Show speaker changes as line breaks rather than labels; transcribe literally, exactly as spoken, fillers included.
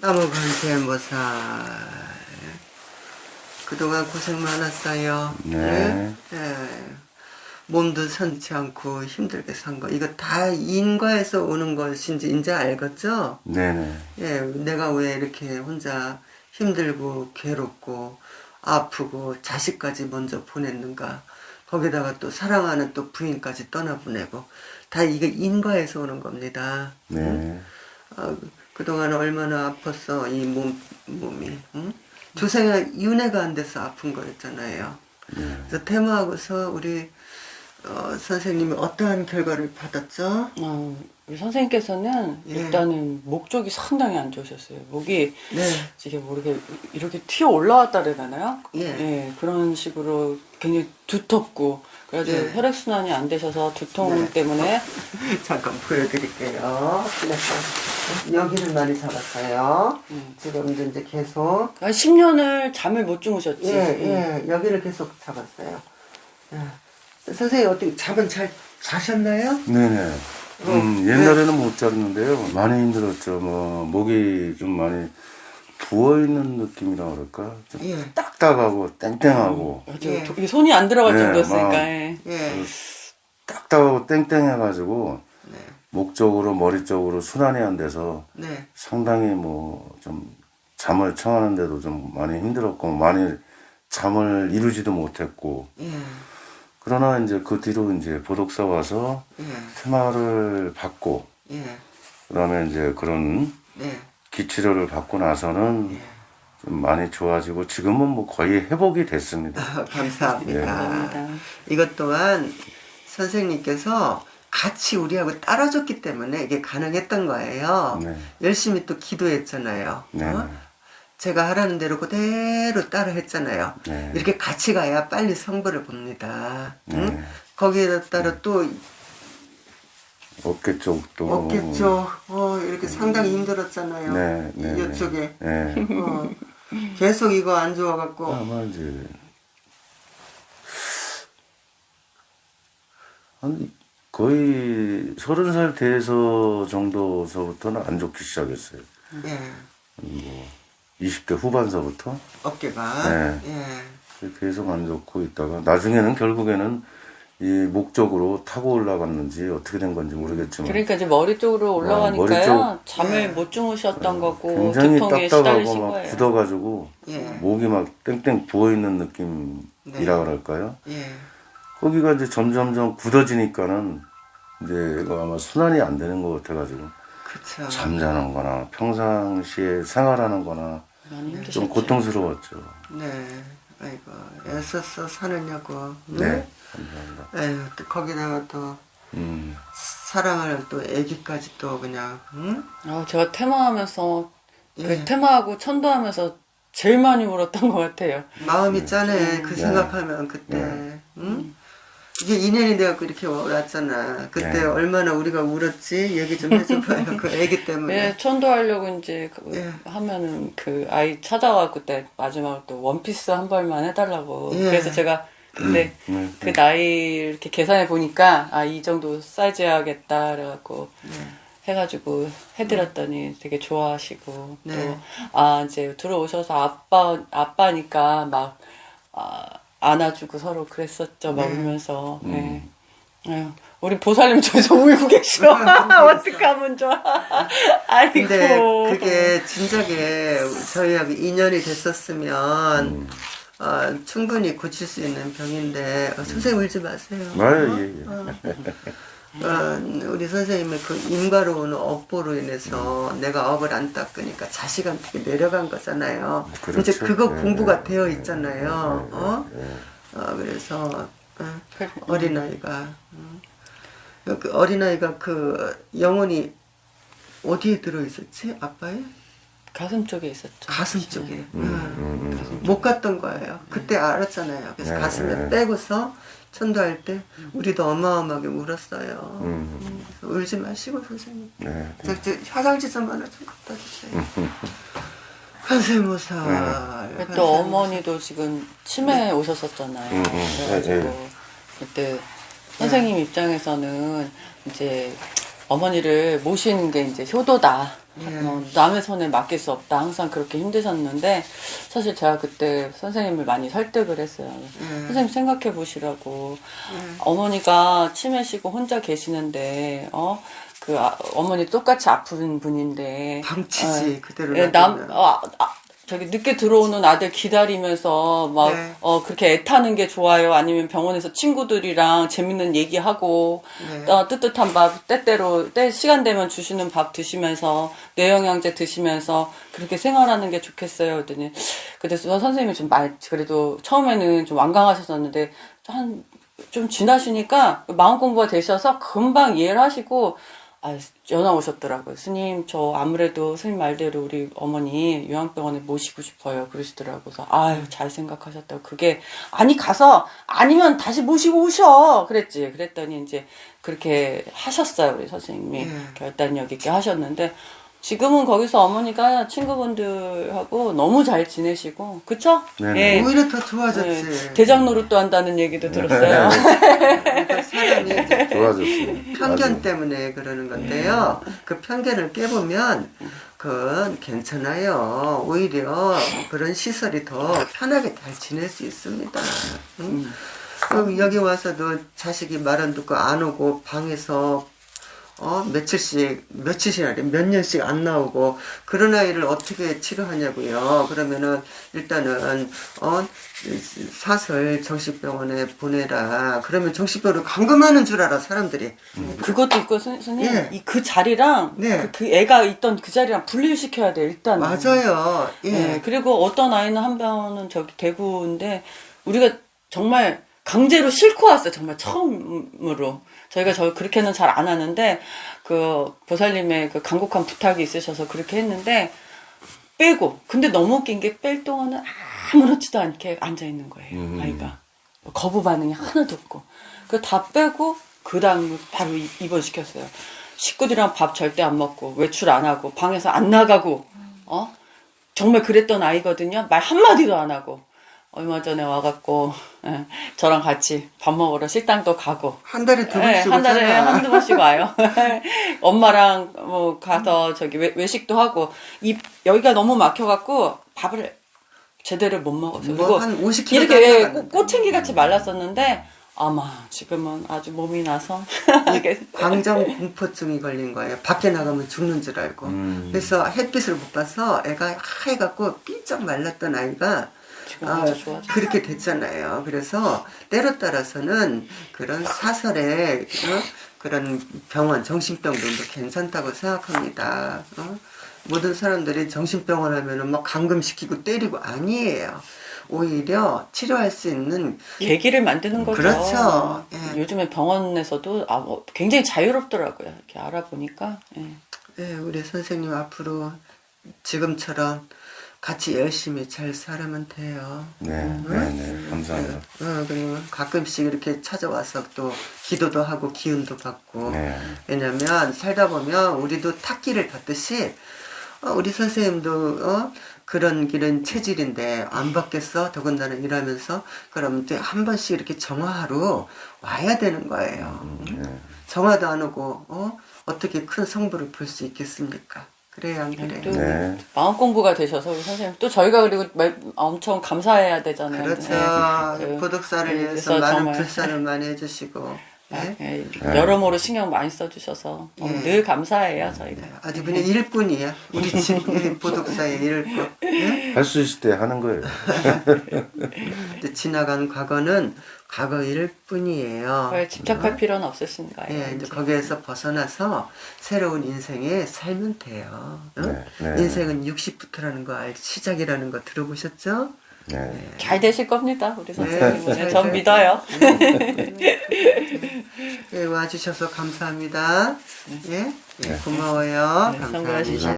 나무관세음보살 그동안 고생 많았어요.
네.
네? 네. 몸도 선치 않고 힘들게 산 거 이거 다 인과에서 오는 것인지 이제 알겠죠?
네네.
예, 내가 왜 이렇게 혼자 힘들고 괴롭고 아프고 자식까지 먼저 보냈는가, 거기다가 또 사랑하는 또 부인까지 떠나보내고, 다 이게 인과에서 오는 겁니다.
네.
응? 아, 그동안 얼마나 아팠어 이 몸, 몸이. 응? 조생에 윤회가 안 돼서 아픈 거였잖아요.
네.
그래서 테마하고서 우리 어, 선생님이 어떠한 결과를 받았죠?
어, 우리 선생님께서는
예.
일단은 목 쪽이 상당히 안 좋으셨어요. 목이
네.
이게 모르게 이렇게 튀어 올라왔다 그래야 되나요?
예.
예, 그런 식으로 굉장히 두텁고, 그래가지고
예.
혈액순환이 안 되셔서 두통
네.
때문에.
잠깐 보여드릴게요. 네. 여기를 많이 잡았어요.
음.
지금 이제 계속
한 십 년을 잠을 못 주무셨지.
예,
음.
예, 여기를 계속 잡았어요. 예. 선생님 어떻게 잠은 잘 자셨나요?
네네. 음, 옛날에는 못 잤는데요. 많이 힘들었죠. 뭐, 목이 좀 많이 부어있는 느낌이라 그럴까? 좀
예,
딱딱하고 땡땡하고,
맞아.
예.
도- 이게 손이 안 들어갈
네,
정도였으니까.
막-
예.
예,
딱딱하고 땡땡해가지고,
네,
목 쪽으로, 머리 쪽으로 순환이 안 돼서
네,
상당히 뭐, 좀 잠을 청하는데도 좀 많이 힘들었고, 많이 잠을 이루지도 못했고,
예,
그러나 이제 그 뒤로 이제 보dok사 와서
예,
테마를 받고,
예,
그 다음에 이제 그런
네,
기치료를 받고 나서는 좀 많이 좋아지고 지금은 뭐 거의 회복이 됐습니다.
아, 감사합니다.
예.
감사합니다.
이것 또한 선생님께서 같이 우리하고 따라줬기 때문에 이게 가능했던 거예요.
네.
열심히 또 기도했잖아요.
네.
어? 제가 하라는 대로 그대로 따라 했잖아요.
네.
이렇게 같이 가야 빨리 성부를 봅니다. 응?
네.
거기에 따라 또
어깨 쪽도.
없겠죠. 어, 이렇게 상당히 힘들었잖아요.
네, 네, 네.
이쪽에.
네.
어, 계속 이거 안 좋아갖고.
아마 이제 한 거의 서른 살 돼서 정도서부터는 안 좋기 시작했어요.
예,
뭐 이십 대 후반서부터
어깨가.
네.
예.
계속 안 좋고 있다가 나중에는 결국에는 이 목 쪽으로 타고 올라갔는지 어떻게 된 건지 모르겠지만
그러니까 이제 머리 쪽으로 올라가니까요.
머리 쪽-
잠을
예.
못 주무셨던 거고,
굉장히
두통에
딱딱하고
시달리신
막
거예요.
굳어가지고
예.
목이 막 땡땡 부어있는 느낌이라
네.
그럴까요?
예.
거기가 이제 점점점 굳어지니까는 이제 이거 아마 순환이 안 되는 것 같아가지고
그쵸.
잠자는 거나 평상시에 생활하는 거나
많이 힘드셨죠.
좀 고통스러웠죠.
네. 아이고, 애써서 사느냐고. 응?
네. 감사합니다.
에휴, 또 거기다가 또
음.
사랑을 또 애기까지 또 그냥, 응?
아, 제가 테마하면서
예.
그 테마하고 천도하면서 제일 많이 울었던 것 같아요.
마음이 짠해. 그
네.
생각하면 그때.
네.
응? 이게 인연이 돼갖고 이렇게 왔잖아. 그때
네.
얼마나 우리가 울었지? 얘기 좀 해줘봐요. 그 애기 때문에.
예, 천도하려고 이제 그
예.
하면은 그 아이 찾아가 그때 마지막으로 또 원피스 한 벌만 해달라고.
예.
그래서 제가 그때
네.
그 나이 이렇게 계산해 보니까 아, 이 정도 사이즈 해야겠다 그래갖고
네.
해가지고 해드렸더니 되게 좋아하시고
네.
또 아 이제 들어오셔서 아빠 아빠니까 막 아, 안아주고 서로 그랬었죠 막
네.
울면서.
음.
예. 아유, 우리 보살님 저기서 울고 계셔. 어떡하면 좋아. 아이고.
근데 그게 진작에 저희하고 인연이 됐었으면
음.
어, 충분히 고칠 수 있는 병인데 어, 선생님 울지 마세요.
아유, 예, 예.
어, 어, 우리 선생님의 그 인과로 오는 업보로 인해서 내가 업을 안 닦으니까 자식한테 내려간 거잖아요.
그렇죠.
이제 그거
네,
공부가
네,
되어
네,
있잖아요.
네,
어?
네, 네.
어, 그래서 어,
그-
어린아이가 음. 그 어린아이가 그 영혼이 어디에 들어있었지? 아빠의?
가슴 쪽에 있었죠.
가슴 쪽에.
음,
음.
음, 음.
못 갔던 거예요. 그때 알았잖아요. 그래서
네,
가슴에
네.
빼고서 천도할 때 우리도 어마어마하게 울었어요.
음.
그래서 울지 마시고 선생님.
네.
저, 저 화장지 좀 하나 좀 갖다 주세요. 관세모사.
네. 또 어머니도 지금 치매에 오셨었잖아요.
음, 음.
그래가지고
네,
그때 선생님 입장에서는 이제 어머니를 모시는 게 이제 효도다.
예.
어, 남의 손에 맡길 수 없다. 항상 그렇게 힘드셨는데 사실 제가 그때 선생님을 많이 설득을 했어요.
예.
선생님 생각해 보시라고.
예.
어머니가 치매시고 혼자 계시는데 어? 그 아, 어머니 똑같이 아픈 분인데
방치지 그대로
예, 남
놔두면.
아, 아, 저기 늦게 들어오는 아들 기다리면서 막
네.
어, 그렇게 애타는 게 좋아요? 아니면 병원에서 친구들이랑 재밌는 얘기하고
네.
어, 뜨뜻한 밥 때때로 때 시간 되면 주시는 밥 드시면서 뇌영양제 드시면서 그렇게 생활하는 게 좋겠어요. 그랬더니 그래서 선생님이 좀 말 그래도 처음에는 좀 완강하셨었는데 한 좀 지나시니까 마음 공부가 되셔서 금방 이해를 하시고 아, 전화 오셨더라고요. 스님, 저 아무래도 스님 말대로 우리 어머니 요양병원에 모시고 싶어요. 그러시더라고요. 그래서 아유, 잘 생각하셨다고. 그게, 아니, 가서, 아니면 다시 모시고 오셔. 그랬지. 그랬더니 이제 그렇게 하셨어요. 우리 선생님이.
예.
결단력 있게 하셨는데, 지금은 거기서 어머니가 친구분들하고 너무 잘 지내시고, 그쵸?
네네.
예.
오히려 더 좋아졌지.
예. 대장 노릇도 한다는 얘기도 들었어요.
그러니까 사람이 이제
좋아졌어요.
편견
아주.
때문에 그러는 건데요. 그 편견을 깨보면 그건 괜찮아요. 오히려 그런 시설이 더 편하게 잘 지낼 수 있습니다. 응? 그럼 여기 와서도 자식이 말 안 듣고 안 오고 방에서 어 며칠씩 며칠씩 아니 몇 년씩 안 나오고 그런 아이를 어떻게 치료하냐고요. 그러면은 일단은 어 사설 정신병원에 보내라. 그러면 정신병원을 감금하는 줄 알아 사람들이.
그것도 있고 선- 선생님
예.
이 그 자리랑
네.
그, 그 애가 있던 그 자리랑 분리시켜야 돼 일단.
맞아요. 예.
예. 그리고 어떤 아이는 한 병은 저기 대구인데 우리가 정말 강제로 싣고 왔어요. 정말 처음으로. 저희가 저 그렇게는 잘 안 하는데 그 보살님의 그 간곡한 부탁이 있으셔서 그렇게 했는데 빼고 근데 너무 웃긴 게 뺄 동안은 아무렇지도 않게 앉아 있는 거예요.
음.
아이가 거부 반응이 하나도 없고 그 다 빼고 그 다음 바로 이- 입원시켰어요. 식구들이랑 밥 절대 안 먹고 외출 안 하고 방에서 안 나가고 어 정말 그랬던 아이거든요. 말 한마디도 안 하고 얼마 전에 와갖고 예, 저랑 같이 밥 먹으러 식당도 가고
한 달에 두
예,
번씩
한 달에
오잖아.
한두 번씩 와요. 엄마랑 뭐 가서 저기 외, 외식도 하고 이 여기가 너무 막혀갖고 밥을 제대로 못 먹었어요.
뭐
그리고
한 오십 킬로그램
이렇게
나갔는데.
꽃- 꽃챙이 같이 말랐었는데 아마 지금은 아주 몸이 나서 이게
광장 공포증이 걸린 거예요. 밖에 나가면 죽는 줄 알고.
음.
그래서 햇빛을 못 봐서 애가 하얘갖고 삐쩍 말랐던 아이가
지금
아,
아주 좋아져.
그렇게 됐잖아요. 그래서 때로 따라서는 그런 사설의 어? 그런 병원, 정신병원도 괜찮다고 생각합니다. 어? 모든 사람들이 정신병원 하면은 막 감금시키고 때리고 아니에요. 오히려 치료할 수 있는
계기를 만드는 거죠.
그렇죠. 예.
요즘에 병원에서도 아, 뭐 굉장히 자유롭더라고요. 이렇게 알아보니까. 예.
예, 우리 선생님 앞으로 지금처럼 같이 열심히 잘 살아면 돼요.
네, 네, 네. 감사합니다.
어, 그리고 가끔씩 이렇게 찾아와서 또 기도도 하고 기운도 받고.
네.
왜냐면 살다 보면 우리도 탁기를 받듯이 어, 우리 선생님도 어, 그런 길은 체질인데 안 받겠어? 더군다나 일하면서 그럼 이제 한 번씩 이렇게 정화하러 와야 되는 거예요.
네.
정화도 안 오고 어? 어떻게 큰 성부를 볼 수 있겠습니까? 그래요, 안 그래요?
또
네.
마음 공부가 되셔서 우리 선생님 또 저희가 그리고 매- 엄청 감사해야 되잖아요.
그렇죠.
네. 그-
구독사를
네,
위해서
그래서
많은
정말
불사를 많이 해주시고 예?
예, 여러모로 신경 많이 써주셔서 너무
예.
늘 감사해요 저희가.
아주 그냥 일꾼이야. 우리 집 이 보독사의 일꾼. 예?
할 수 있을 때 하는 거예요.
근데 지나간 과거는 과거일 뿐이에요.
그걸 집착할 필요는 없으신가요?
예, 이제 거기에서 벗어나서 새로운 인생에 살면 돼요. 응?
네, 네.
인생은 육십부터라는 거 알, 시작이라는 거 들어보셨죠?
네.
잘 되실 겁니다 우리
네,
선생님은.
잘
전
돼.
믿어요.
예, 와주셔서 감사합니다. 예, 예,
네.
고마워요.
네,
감사합니다.
성공하시죠.